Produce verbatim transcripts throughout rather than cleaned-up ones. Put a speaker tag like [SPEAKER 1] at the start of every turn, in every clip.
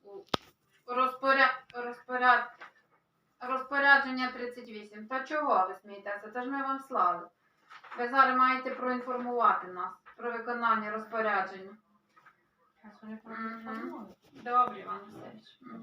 [SPEAKER 1] Розпоряд... Розпоряд... Розпорядження тридцять вісім. Та чого ви смієтеся? Це ж ми вам слали. Ви зараз маєте проінформувати нас про виконання розпорядження. Угу. Добре, Іван Васильович. Угу.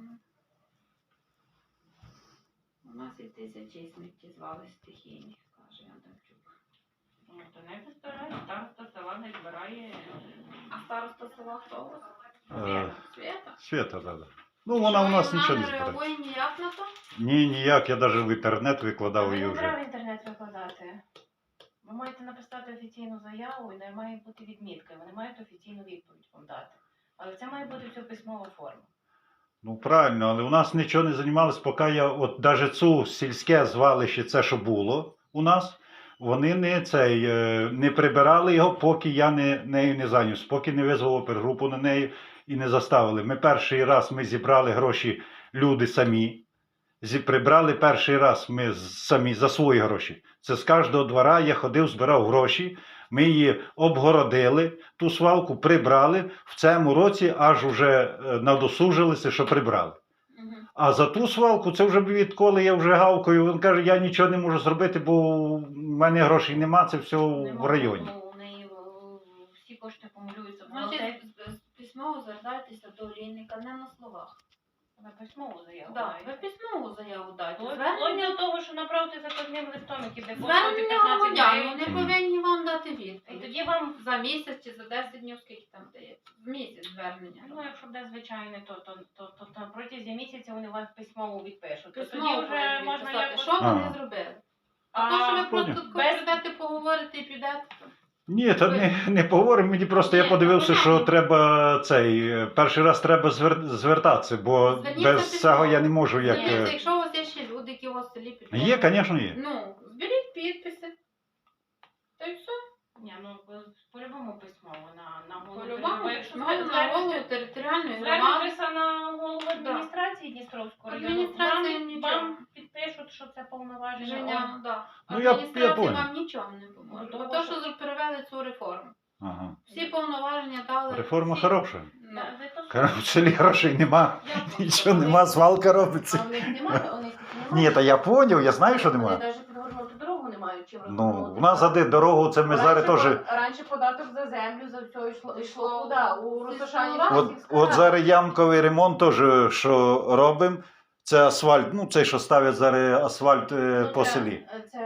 [SPEAKER 1] У нас і тисячі сміттєзвали стихійні, каже Адамчук.
[SPEAKER 2] Ну, то не постараюсь, староста села не збирає.
[SPEAKER 1] А староста села хто у вас?
[SPEAKER 3] Е,
[SPEAKER 1] Свята?
[SPEAKER 3] Свята, да, да. Ну, вона у нас
[SPEAKER 1] Вона
[SPEAKER 3] нічого не
[SPEAKER 1] не
[SPEAKER 3] збирає.
[SPEAKER 1] реагує ніяк на то?
[SPEAKER 3] Ні, ніяк, я навіть в інтернет викладав
[SPEAKER 2] Ви
[SPEAKER 3] її
[SPEAKER 2] не треба
[SPEAKER 3] вже.
[SPEAKER 2] в інтернет викладати. Ви маєте написати офіційну заяву і не має бути відмітки. Вони мають офіційну відповідь вам дати. Але це має бути все письмова форма.
[SPEAKER 3] Ну, правильно, але у нас нічого не займалось, поки я, от навіть цю сільське звалище, це що було у нас, вони не, цей, е, не прибирали його, поки я не, нею не зайнявся, поки не визвав опергрупу на неї і не заставили. Ми перший раз ми зібрали гроші, люди самі. Зі, прибрали перший раз ми самі за свої гроші. Це з кожного двора я ходив, збирав гроші, ми її обгородили, ту свалку прибрали, в цьому році аж уже надосужилися, що прибрали.
[SPEAKER 1] Угу.
[SPEAKER 3] А за ту свалку, це вже відколи я вже гавкою, він каже, я нічого не можу зробити, бо в мене грошей нема, це все в районі.
[SPEAKER 2] Ну, у неї о, всі кошти акумулюються в
[SPEAKER 1] Значить,
[SPEAKER 2] бухгалтерії.
[SPEAKER 1] письмово звертайтеся до олійника, не на словах.
[SPEAKER 2] На письмову заяву.
[SPEAKER 1] Так,
[SPEAKER 2] дайте.
[SPEAKER 1] ви письмову заяву дайте.
[SPEAKER 2] Вплоть
[SPEAKER 1] Звернення,
[SPEAKER 2] до того, що направити заказним листом, який буде коштувати
[SPEAKER 1] звернення
[SPEAKER 2] п'ятнадцять
[SPEAKER 1] громадян,
[SPEAKER 2] гривень.
[SPEAKER 1] вони повинні вам дати
[SPEAKER 2] І
[SPEAKER 1] відповідь.
[SPEAKER 2] тоді вам,
[SPEAKER 1] За місяць чи за десять днів, скільки там дається? В місяць звернення.
[SPEAKER 2] ну якщо буде звичайне, то, то, то, то, то протягом місяця вони вас письмово відпишуть. То
[SPEAKER 1] Письмово
[SPEAKER 2] тоді вже
[SPEAKER 1] повинні
[SPEAKER 2] можна
[SPEAKER 1] відписати.
[SPEAKER 2] якось...
[SPEAKER 1] Що вони
[SPEAKER 3] Ага.
[SPEAKER 1] зробили?
[SPEAKER 2] А,
[SPEAKER 1] А то, що ви
[SPEAKER 3] поняв.
[SPEAKER 1] просто
[SPEAKER 2] без-
[SPEAKER 1] прийдете, поговорите і підете.
[SPEAKER 3] Ні, та не, не поговоримо, мені просто я
[SPEAKER 1] Ні,
[SPEAKER 3] подивився,
[SPEAKER 1] ну,
[SPEAKER 3] що
[SPEAKER 1] понятно.
[SPEAKER 3] треба цей, перший раз треба звер, звертатися, бо
[SPEAKER 1] Зверніться
[SPEAKER 3] без
[SPEAKER 1] письмово.
[SPEAKER 3] цього я не можу як...
[SPEAKER 1] Дивіться,
[SPEAKER 3] е,
[SPEAKER 1] якщо у вас є ще люди, які у вас в селі підходять.
[SPEAKER 3] Є, звісно, є.
[SPEAKER 1] Ну, зберіть підписи. Та й все.
[SPEAKER 2] Ні, ну по-любому письмово на, на голову.
[SPEAKER 1] По-любому,
[SPEAKER 2] Бо якщо
[SPEAKER 1] ну, на голову територіальної громади.
[SPEAKER 2] звернетеся на голову адміністрації Дністровського району,
[SPEAKER 1] Адміністрація
[SPEAKER 2] вам,
[SPEAKER 1] нічого.
[SPEAKER 2] вам підпишуть, що це повноваження.
[SPEAKER 1] Женя, да.
[SPEAKER 3] Ну, я- я
[SPEAKER 1] Адміністрація
[SPEAKER 3] понял.
[SPEAKER 1] вам нічого не поможе.
[SPEAKER 2] Ну,
[SPEAKER 1] Бо
[SPEAKER 2] тому
[SPEAKER 1] то,
[SPEAKER 2] що-
[SPEAKER 1] що перевели цю реформу.
[SPEAKER 3] Ага.
[SPEAKER 1] Всі повноваження дали.
[SPEAKER 3] Реформа
[SPEAKER 1] всі-
[SPEAKER 3] хороша.
[SPEAKER 1] Ну,
[SPEAKER 2] Да, за то, що-
[SPEAKER 3] Кажу, в селі грошей нема,
[SPEAKER 1] я
[SPEAKER 3] нічого нема, свалка робиться.
[SPEAKER 2] А у них немає, у них немає.
[SPEAKER 3] Ні, та я поняв, я знаю, що
[SPEAKER 2] Вони
[SPEAKER 3] нема.
[SPEAKER 2] навіть підгорнути дорогу не мають чим
[SPEAKER 3] Ну,
[SPEAKER 2] розгорнути.
[SPEAKER 3] у нас за де дорогу, це ми зараз теж...
[SPEAKER 2] по- Раніше податок за землю, за все йшло, йшло куди? У Росошані.
[SPEAKER 3] От, от зараз ямковий ремонт теж, що робимо, це асфальт, ну цей, що ставлять зараз асфальт е,
[SPEAKER 2] Ну,
[SPEAKER 3] по
[SPEAKER 2] це-
[SPEAKER 3] селі.
[SPEAKER 2] Це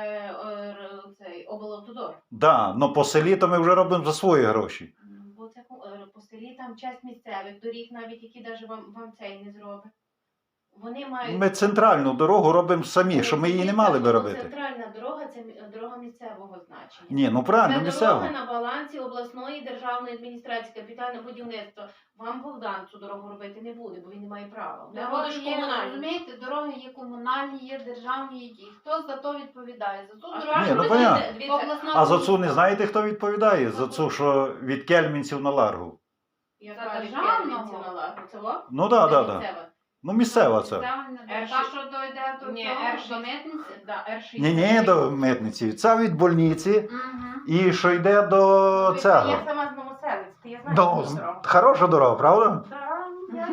[SPEAKER 2] е, р- цей облавтодор.
[SPEAKER 3] Да, но по селі то ми вже робимо за свої гроші.
[SPEAKER 2] Бо це е, по селі там часть місцевих доріг, навіть які навіть вам, вам цей не зробить. Вони мають...
[SPEAKER 3] Ми центральну дорогу робимо самі, що ми її не мали би робити.
[SPEAKER 2] Центральна дорога – це мі- дорога місцевого значення.
[SPEAKER 3] Ні, ну правильно,
[SPEAKER 2] Це
[SPEAKER 3] місцево.
[SPEAKER 2] дорога на балансі обласної державної адміністрації, капітальне будівництво. Вам Богдан цю дорогу робити не буде, бо він не має права. Вона буде
[SPEAKER 1] Дороги
[SPEAKER 2] ж
[SPEAKER 1] є,
[SPEAKER 2] комунальна.
[SPEAKER 1] розумієте, дороги є комунальні, є державні, є ті. Хто за то відповідає? За ту
[SPEAKER 2] А
[SPEAKER 1] дорогу.
[SPEAKER 3] Ні, ну,
[SPEAKER 1] це
[SPEAKER 3] понятно.
[SPEAKER 2] Дивіться,
[SPEAKER 1] обласна
[SPEAKER 3] А за цю не
[SPEAKER 1] комісія.
[SPEAKER 3] знаєте, хто відповідає? За цю, що від Кельмінців на Ларгу.
[SPEAKER 2] яка
[SPEAKER 1] За
[SPEAKER 2] від
[SPEAKER 1] державного?
[SPEAKER 2] Кельмінців на Ларгу? Це во?
[SPEAKER 3] Ну так,
[SPEAKER 2] Це
[SPEAKER 3] так, так.
[SPEAKER 2] місцева.
[SPEAKER 3] Ну місцева це.
[SPEAKER 1] Та, що дойде до
[SPEAKER 2] Ні,
[SPEAKER 1] цього,
[SPEAKER 2] Р
[SPEAKER 1] до
[SPEAKER 2] шість.
[SPEAKER 1] митниці?
[SPEAKER 2] Да, Р шість.
[SPEAKER 3] Ні, ні, до митниці. Це від больниці
[SPEAKER 1] Угу.
[SPEAKER 3] і що йде до цього.
[SPEAKER 2] Я сама з Новоселиць, ти я знаю,
[SPEAKER 3] Ну,
[SPEAKER 2] що дорога.
[SPEAKER 3] хороша дорога, правда?
[SPEAKER 2] Да, я,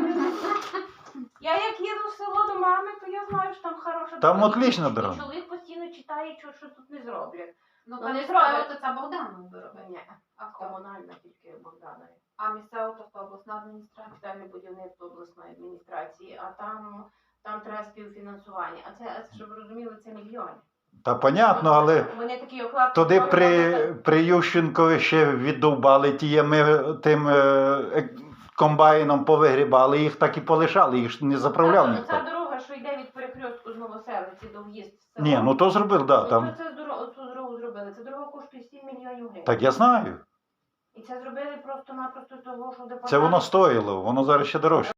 [SPEAKER 2] я як їду в село до мами, то я знаю, що там хороша
[SPEAKER 3] Там
[SPEAKER 2] дорога.
[SPEAKER 3] отлічна
[SPEAKER 2] І
[SPEAKER 3] дорога.
[SPEAKER 2] чоловік постійно читає, що, що тут не зроблять.
[SPEAKER 1] Ну,
[SPEAKER 2] Вони
[SPEAKER 1] коли
[SPEAKER 2] зроблять.
[SPEAKER 1] справа, то це Богданом виробить.
[SPEAKER 2] Ні,
[SPEAKER 1] А хто?
[SPEAKER 2] комунальна тільки Богданові.
[SPEAKER 1] А місцева то хто? Обласна адміністрація?
[SPEAKER 2] Капітальне будівництво обласної адміністрації, а там, там треба співфінансування. А це, а це, щоб ви розуміли, це мільйони.
[SPEAKER 3] Та понятно, але
[SPEAKER 2] Вони такі оклад...
[SPEAKER 3] туди при, при Ющенкові ще віддовбали ті, ми тим е, е, комбайном повигрібали, їх так і полишали, їх ж не заправляв
[SPEAKER 2] Ця,
[SPEAKER 3] ніхто.
[SPEAKER 2] ця дорога, що йде від перехрестку з Новоселиці до в'їзд в село.
[SPEAKER 3] Ні, ну то зробив, да,
[SPEAKER 2] Ну,
[SPEAKER 3] там.
[SPEAKER 2] це, це дорогу, цю дорогу зробили. Ця дорога коштує сім мільйонів гривень.
[SPEAKER 3] Так я знаю.
[SPEAKER 2] І це зробили просто-напросто того, що департамент...
[SPEAKER 3] Це воно стоїло, воно зараз ще дорожче.